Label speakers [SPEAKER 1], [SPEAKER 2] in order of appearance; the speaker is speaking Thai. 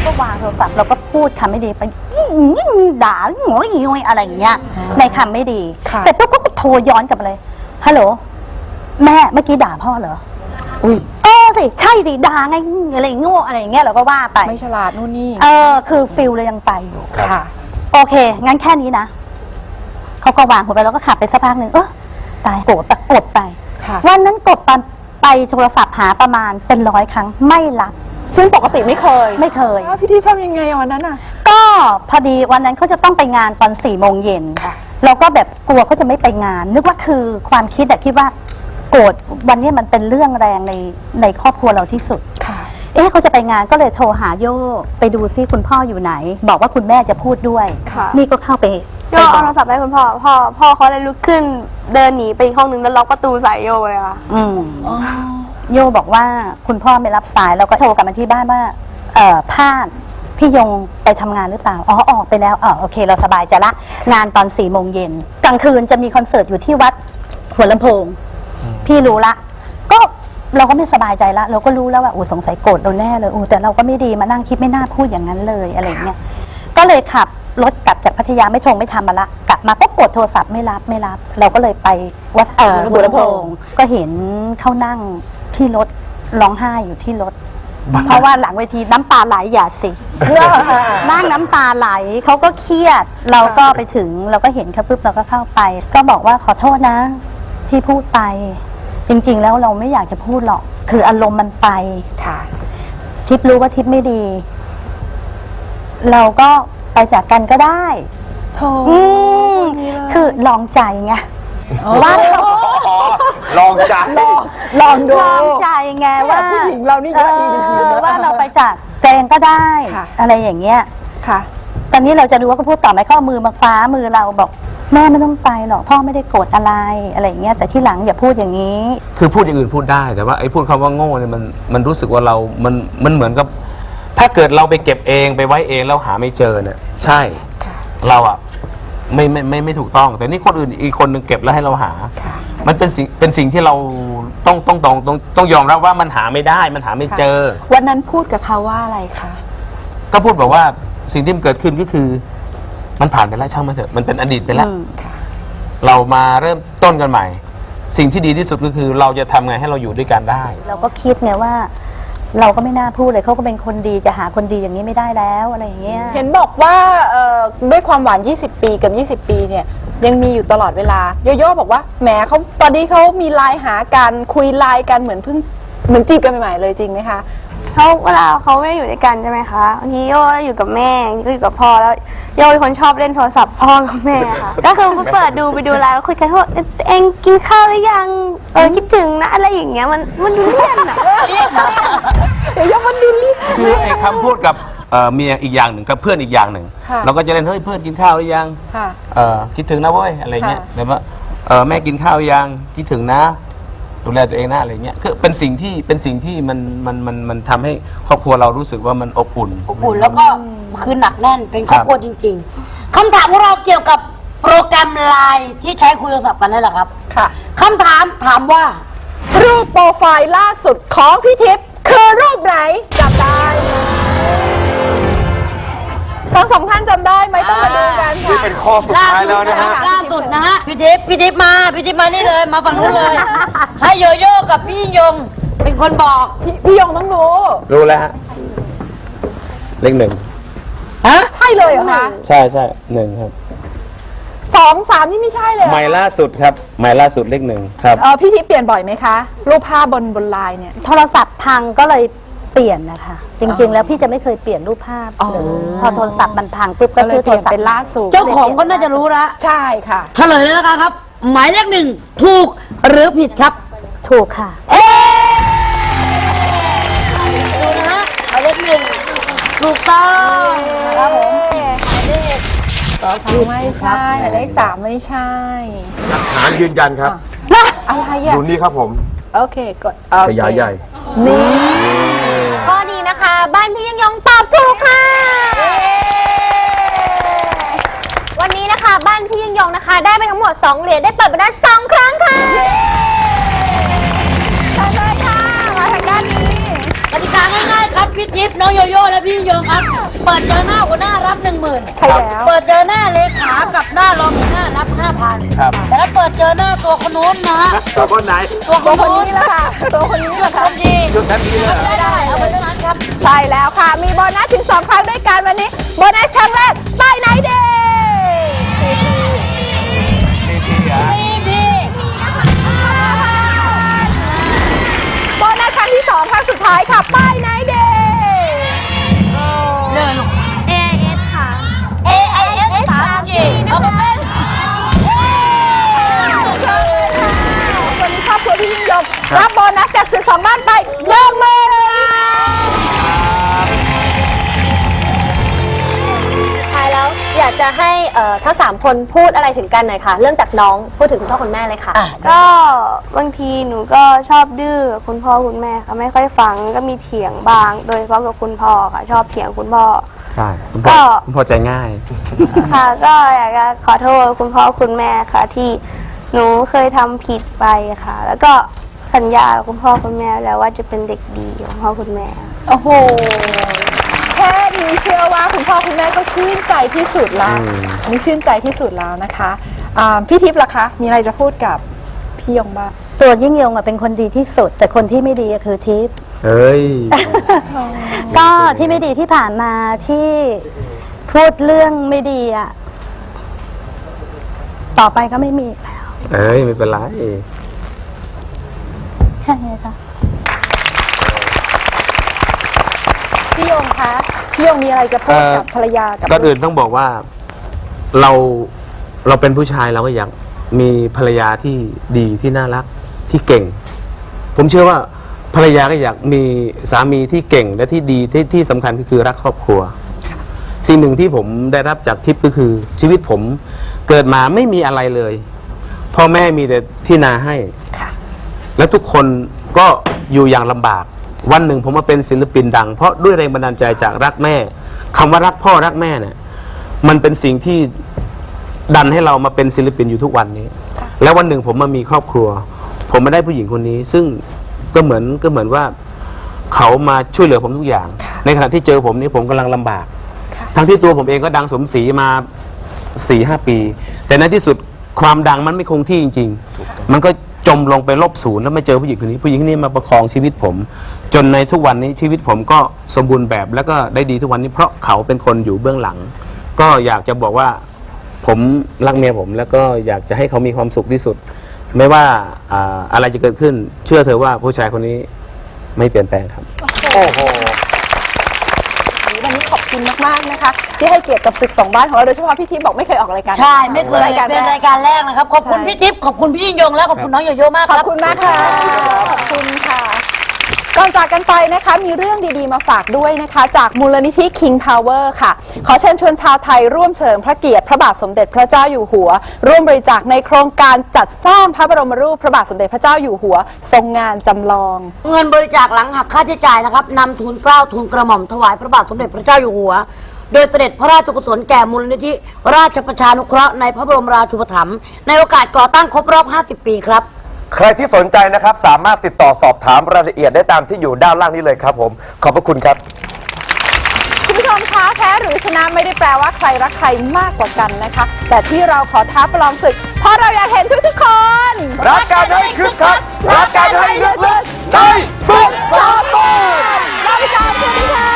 [SPEAKER 1] ก็วางโทรศัพท์เราก็พูดคำไม่ดีไปด่าหัวอียอะไรอย่างเงี้ยในคำไม่ดีเสร็จปุ๊บก็โทรย้อนกลับมาเลยฮัลโหลแม่เมื่อกี้ด่าพ่อเหรออุ้ยสิใช่ดิด่าไงอะไรโง่อะไรอย่างเงี้ยเราก็ว่าไป
[SPEAKER 2] ไม่ฉลาดนู่นนี่
[SPEAKER 1] คือฟิลเลยยังไปอยู่
[SPEAKER 2] ค่ะ
[SPEAKER 1] โอเคงั้นแค่นี้นะเขาก็วางหัวไปแล้วก็ขับไปสักพักหนึ่งตายโกรธกดไปวันนั้นกดไปโทรศัพท์หาประมาณเป็น100 ครั้งไม่รับ
[SPEAKER 2] ซึ่งปกติไม่เคยพี่ที่ทำยังไงวันนั้นอ่ะ
[SPEAKER 1] ก็พอดีวันนั้นเขาจะต้องไปงานตอน4 โมงเย็นเราก็แบบกลัวเขาจะไม่ไปงานนึกว่าคือความคิดคิดว่าโกรธวันนี้มันเป็นเรื่องแรงในครอบครัวเราที่สุดเขาจะไปงานก็เลยโทรหาโย่ไปดูซิคุณพ่ออยู่ไหนบอกว่าคุณแม่จะพูดด้วยนี่ก็เข้าไป
[SPEAKER 3] โย่เอาโทรศัพท์ให้คุณพ่อเขาเลยลุกขึ้นเดินหนีไปอีกห้องนึงแล้วล็อกประตูใส่โย่เลยค่ะ
[SPEAKER 1] โย่บอกว่าคุณพ่อไม่รับสายแล้วก็โทรกลับมาที่บ้านว่าพาดพี่ยงไปทำงานหรือเปล่าออกไปแล้วโอเคเราสบายใจละงานตอน4 โมงเย็นกลางคืนจะมีคอนเสิร์ตอยู่ที่วัดหัวลำโพงพี่รู้ละก็เราก็ไม่สบายใจละเราก็รู้แล้วว่าสงสัยโกรธเราแน่เลยแต่เราก็ไม่ดีมานั่งคิดไม่น่าพูดอย่างนั้นเลยอะไรเงี้ยก็เลยขับรถกลับจากพัทยาไม่ทำมาละกลับมาก็กดโทรศัพท์ไม่รับเราก็เลยไปวัดหัวลำโพงก็เห็นเขานั่งที่รถร้องไห้อยู่ที่รถเพราะว่าหลังเวทีน้ำตาไหลอย่าสินั่งน้ำตาไหลเขาก็เครียดเราก็ไปถึงเราก็เห็นเขาปุ๊บเราก็เข้าไปก็บอกว่าขอโทษนะที่พูดไปจริงๆแล้วเราไม่อยากจะพูดหรอกคืออารมณ์มันไปทิพย์รู้ว่าทิพย์ไม่ดีเราก็ไปจากกันก็ได้คือลองใจไงว่า
[SPEAKER 4] ลองใจ
[SPEAKER 1] ลองดูลองใจไงว่า
[SPEAKER 2] ผู้หญิงเรานี่เยอะดีจริงๆ
[SPEAKER 1] ว่าเราไปจากแจงก็ได้อะไรอย่างเงี้ยตอนนี้เราจะรู้ว่าเขาพูดต่อไหมเขาเอามือมาฟ้ามือเราบอกแม่ไม่ต้องไปหรอกพ่อไม่ได้โกรธอะไรอย่างเงี้ยแต่ที่หลังอย่าพูดอย่างนี้
[SPEAKER 4] คือพูดอย่างอื่นพูดได้แต่ว่าไอ้พูดคำว่าโง่เนี่ยมันรู้สึกว่ามันเหมือนกับถ้าเกิดเราไปเก็บเองไปไว้เองแล้วหาไม่เจอเนี่ยใช่เราอ่ะไม่ถูกต้องแต่นี่คนอื่นอีกคนนึงเก็บแล้วให้เราหามันเป็นสิ่งที่เราต้องยอมรับว่ามันหาไม่ได้มันหาไม่เจอ
[SPEAKER 2] วันนั้นพูดกับเขาว่าอะไรคะ
[SPEAKER 4] ก็พูดบอกว่าสิ่งที่มันเกิดขึ้นก็คือมันผ่านไปแล้วช่างมันเถอะมันเป็นอดีตไปแล้วเรามาเริ่มต้นกันใหม่สิ่งที่ดีที่สุดก็คือเราจะทำไงให้เราอยู่ด้วยกันได้
[SPEAKER 1] เราก็คิดไงว่าเราก็ไม่น่าพูดเลยเขาก็เป็นคนดีจะหาคนดีอย่างนี้ไม่ได้แล้วอะไรอย่างเงี้ย
[SPEAKER 2] เห็นบอกว่าด้วยความหวาน20 ปีกับ20 ปีเนี่ยยังมีอยู่ตลอดเวลาโยโย่บอกว่าแหมเขาตอนนี้เขามีไลน์หากันคุยไลน์กันเหมือนจีบกันใหม่ๆเลยจริงไหมคะ
[SPEAKER 3] เวลาเขาไม่ได้อยู่ด้วยกันใช่ไหมคะบางทีโย่อยู่กับแม่ก็อยู่กับพ่อแล้วโย่เป็นคนชอบเล่นโทรศัพท์พ่อกับแม่ค่ะก็คือไปเปิดดูไปดูไลน์แล้วคุยกันว่าเองกินข้าวหรือยังคิดถึงนะอะไรอย่างเงี้ยมันดูเลี่ยนอ่ะ
[SPEAKER 2] โย่มันดูเลี่ยน
[SPEAKER 4] คือไอ้คำพูดกับเมียอีกอย่างหนึ่งกับเพื่อนอีกอย่างหนึ่งเราก็จะเล่นเฮ้ยเพื่อนกินข้าวหรือยังคิดถึงนะเว้ยอะไรเงี้ยแบบว่าแม่กินข้าวยังคิดถึงนะดูแลตัวเองนะอะไรเงี้ยคือเป็นสิ่งที่มันทำให้ครอบครัวเรารู้สึกว่ามันอบอุ่น
[SPEAKER 5] แล้วก็คือหนักแน่นเป็นครอบครัวจริงๆคำถามของเราเกี่ยวกับโปรแกรมไลน์ที่ใช้คุยโทรศัพท์กันนั่นแหละครับคำถามว่า
[SPEAKER 2] รูปโปรไฟล์ล่าสุดของพี่ทิพย์คือรูปไหนจำได้ทั้งสองท่านจำได้ไหมต้องมาดูกันค่ะ
[SPEAKER 4] นี่เป็นข้อสุดท้ายแล้วนะฮะ
[SPEAKER 5] ล่าสุดนะฮะพี่ทิพย์มานี่เลยมาฝั่งนู้นเลยให้โยโย่กับพี่ยงเป็นคนบอก
[SPEAKER 2] พี่ยงต้องรู้
[SPEAKER 4] แล้วฮะเลข 1
[SPEAKER 2] ใช่เลยเหรอคะ
[SPEAKER 4] ใช่1ครับ
[SPEAKER 2] 2 3นี่ไม่ใช่เลย
[SPEAKER 4] หมายล่าสุดครับหมายล่าสุดเลข 1ครับ
[SPEAKER 2] พี่ทิพย์เปลี่ยนบ่อยไหมคะรูปภาพบนไลน์เนี่ย
[SPEAKER 1] โทรศัพท์พังก็เลยเปลี่ยนนะคะจริงๆแล้วพี่จะไม่เคยเปลี่ยนรูปภาพเลยพอโทรศัพท์มันพังปุ๊บก็ซื้อโทรศัพท์
[SPEAKER 2] เป็นล่าสุด
[SPEAKER 5] เจ้าของก็น่าจะรู้ละ
[SPEAKER 2] ใช่ค่ะ
[SPEAKER 5] เฉลยแล้วครับหมายเลข 1ถูกหรือผิดครับ
[SPEAKER 1] ถูกค่ะ
[SPEAKER 5] ดูนะฮะหมายเลข 1ถูกต้องครับผม
[SPEAKER 2] ไม่ใช่หมายเลข 3ไม่ใช่
[SPEAKER 4] หลักฐานยืนยันครับ
[SPEAKER 2] อะไรอ่ะ
[SPEAKER 4] ดูนี่ครับผม
[SPEAKER 2] โอเคกด
[SPEAKER 4] ขยายใหญ่
[SPEAKER 2] นี่
[SPEAKER 3] ข้อนี้นะคะบ้านพี่ยงตอบถูกค่ะวันนี้นะคะบ้านพี่ยงนะคะได้ไปทั้งหมด2เหรียญได้เปิดไปได้2 ครั้งค่ะเชิญเลยค่ะมาทางด้านนี้
[SPEAKER 5] กติกาง่ายๆครับพี่ทิพย์น้องโยโย่และพี่ยิ่งยงครับ เปิดเจอหน้าหัวหน้ารับ 10,000
[SPEAKER 2] ใช่แล้ว
[SPEAKER 5] เปิดเจอหน้าเลขากับหน้ารองหัวหน้ารับ 5,000
[SPEAKER 4] ครับ
[SPEAKER 5] แต่ถ้าเปิดเจอหน้าตัวคนโน้นนะฮะ
[SPEAKER 4] กับคนไหน
[SPEAKER 5] ตัวค
[SPEAKER 2] ตัวน คน
[SPEAKER 5] โน้น
[SPEAKER 2] นี้ละค่ะตัวคนนี้ละค่ะ
[SPEAKER 5] คนดี
[SPEAKER 4] ชุดทันทีเลยเหรอ
[SPEAKER 5] ได้เอาไปเท่านั้นครับ
[SPEAKER 2] ใช่แล้วค่ะ มีโบนัสถึง 2 ครั้งด้วยกันวันนี้ โบนัสครั้งแรกป้ายไหนเดย์
[SPEAKER 5] พี่
[SPEAKER 2] โบนัสครั้งที่ 2 ครั้งสุดท้ายค่ะป้ายไหนเดย์
[SPEAKER 3] AIS ค่ะ
[SPEAKER 5] AIS 3G เอาไปเป็น
[SPEAKER 2] วันนี้ครอบครัวพี่ยิ่งยงรับโบนัสจากศึก2 บ้านไป10,000
[SPEAKER 6] ท้ายแล้วอยากจะให้ทั้ง3 คนพูดอะไรถึงกันหน่อยค่ะ เริ่มจากน้องพูดถึงคุณพ่อคุณแม่เลยค่ะ
[SPEAKER 3] ก็บางทีหนูก็ชอบดื้อกับคุณพ่อคุณแม่ค่ะไม่ค่อยฟังก็มีเถียงบ้าง โดยเฉพาะกับคุณพ่อค่ะ ชอบเถียงคุณพ่อ
[SPEAKER 4] ใช่คุณ
[SPEAKER 3] ก็
[SPEAKER 4] พ่อใจง่าย
[SPEAKER 3] ค่ะ ก็อยากจะขอโทษคุณพ่อคุณแม่ค่ะ ที่หนูเคยทำผิดไปค่ะ แล้วก็สัญญากับคุณพ่อคุณแม่แล้วว่าจะเป็นเด็กดีของพ่อคุณแม่
[SPEAKER 2] โอ้โห แค่นี้เชื่อว่าคุณพ่อคุณแม่ก็ชื่นใจที่สุดแล้วอันนี้ชื่นใจที่สุดแล้วนะคะพี่ทิพย์ล่ะคะ มีอะไรจะพูดกับพี่ยงบ้าง
[SPEAKER 1] ตัวยิ่งยงอะเป็นคนดีที่สุด แต่คนที่ไม่ดีอะคือทิพย์
[SPEAKER 4] เอ้ย
[SPEAKER 1] ก็ที่ไม่ดีที่ผ่านมาที่พูดเรื่องไม่ดีอะต่อไปก็ไม่มีอีกแล้ว
[SPEAKER 4] เอ้ย ไม่เป็นไร
[SPEAKER 1] แค่นี้ค่ะ
[SPEAKER 2] พี่ยงคะพี่ยงมีอะไรจะพูดกับภรรยากับ
[SPEAKER 4] ก่อนอื่นต้องบอกว่าเราเป็นผู้ชายเราก็อยากมีภรรยาที่ดีที่น่ารักที่เก่ง ผมเชื่อว่าภรรยาก็อยากมีสามีที่เก่งและที่ดีที่สำคัญก็คือรักครอบครัว สิ่งหนึ่งที่ผมได้รับจากทิพย์ก็คือชีวิตผมเกิดมาไม่มีอะไรเลยพ่อแม่มีแต่ที่นาให้ แล้วทุกคนก็อยู่อย่างลำบาก วันหนึ่งผมมาเป็นศิลปินดังเพราะด้วยแรงบันดาลใจจากรักแม่คำว่ารักพ่อรักแม่เนี่ยมันเป็นสิ่งที่ดันให้เรามาเป็นศิลปินอยู่ทุกวันนี้ แล้ววันหนึ่งผมมามีครอบครัว ผมมาได้ผู้หญิงคนนี้ ซึ่งก็เหมือนว่าเขามาช่วยเหลือผมทุกอย่าง ในขณะที่เจอผมนี่ผมกำลังลำบาก ทั้งที่ตัวผมเองก็ดังสมศรีมา 4-5 ปี แต่ในที่สุดความดังมันไม่คงที่จริงๆมันก็จมลงไปลบศูนย์แล้วไม่เจอผู้หญิงคนนี้ผู้หญิงคนนี้มาประคองชีวิตผม จนในทุกวันนี้ชีวิตผมก็สมบูรณ์แบบแล้วก็ได้ดีทุกวันนี้เพราะเขาเป็นคนอยู่เบื้องหลัง ก็อยากจะบอกว่าผมรักเมียผมแล้วก็อยากจะให้เขามีความสุขที่สุด ไม่ว่าอะไรจะเกิดขึ้นเชื่อเธอว่าผู้ชายคนนี้ไม่เปลี่ยนแปลงครับ
[SPEAKER 2] วันนี้ขอบคุณมากๆนะคะ ที่ให้เกียรติกับศึก2 บ้านของเราโดยเฉพาะพี่ทิพย์บอกไม่เคยออกรายการ
[SPEAKER 5] ใช่ไม่เคย
[SPEAKER 2] รายการ
[SPEAKER 5] เป็น
[SPEAKER 2] แร
[SPEAKER 5] ราก ยการแรกนะครับ ขอบคุณพี่ทิพย์ขอบคุณพี่ยิ่งยงและขอบคุณน้องโยโย่มาก
[SPEAKER 2] ข
[SPEAKER 5] ค
[SPEAKER 2] อบ
[SPEAKER 5] รับ
[SPEAKER 2] คุณมากค่ะ ขอบคุณค่ะ ก่อนจากกันไปนะคะมีเรื่องดีๆมาฝากด้วยนะคะ จากมูลนิธิ King Power ค่ะ ขอเชิญชวนชาวไทยร่วมเฉลิมพระเกียรติพระบาทสมเด็จพระเจ้าอยู่หัว ร่วมบริจาคในโครงการจัดสร้างพระบรมรูปพระบาทสมเด็จพระเจ้าอยู่หัว ทรงงานจำลอง
[SPEAKER 5] เงินบริจาคหลังหักค่าใช้จ่ายนะครับนำทุนเกล้าทุนกระหม่อมถวายพระบาทสมเด็จพระเจ้าอยู่หัว โดยเสด็จพระราชกุศลแก่มูลนิธิราชประชานุเคราะห์ในพระบรมราชูปถัมภ์ในโอกาสก่อตั้งครบรอบ 50 ปีครับ
[SPEAKER 7] ใครที่สนใจนะครับสามารถติดต่อสอบถามรายละเอียดได้ตามที่อยู่ด้านล่างนี้เลยครับผม ขอบพระคุณครับ
[SPEAKER 2] คุณผู้ชมคะแพ้หรือชนะไม่ได้แปลว่าใครรักใครมากกว่ากันนะคะ แต่ที่เราขอท้าประลองศึก เพราะเราอยากเห็นทุกๆคน
[SPEAKER 7] รักกันให้คึกคักรักกันให้ลึกๆในศึกสากล
[SPEAKER 2] ลาไปก่อนสวัสดีค่ะ